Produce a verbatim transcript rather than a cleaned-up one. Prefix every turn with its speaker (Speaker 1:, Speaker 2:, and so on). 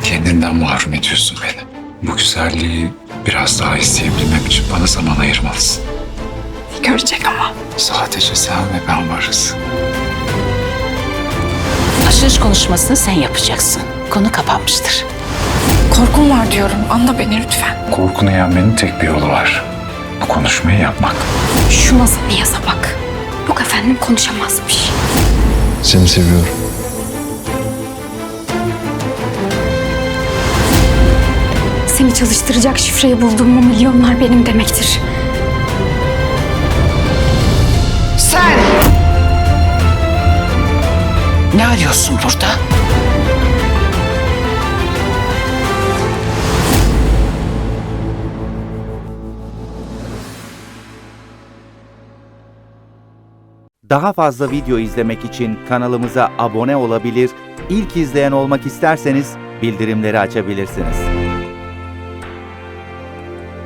Speaker 1: Kendinden mahrum ediyorsun beni. Bu güzelliği biraz daha isteyebilmem için bana zaman ayırmalısın.
Speaker 2: Görecek ama.
Speaker 1: Sadece sen ve ben varız.
Speaker 3: Açılış konuşmasını sen yapacaksın. Konu kapanmıştır.
Speaker 2: Korkum var diyorum. Anla beni lütfen.
Speaker 1: Korkunu yenmenin tek bir yolu var. Bu konuşmayı yapmak.
Speaker 2: Şu nasıl bir yaza bak. Yok efendim konuşamazmış.
Speaker 4: Seni seviyorum.
Speaker 2: Seni çalıştıracak şifreyi bulduğum mu milyonlar benim demektir.
Speaker 3: Sen! Ne arıyorsun burada?
Speaker 5: Daha fazla video izlemek için kanalımıza abone olabilir, ilk izleyen olmak isterseniz bildirimleri açabilirsiniz.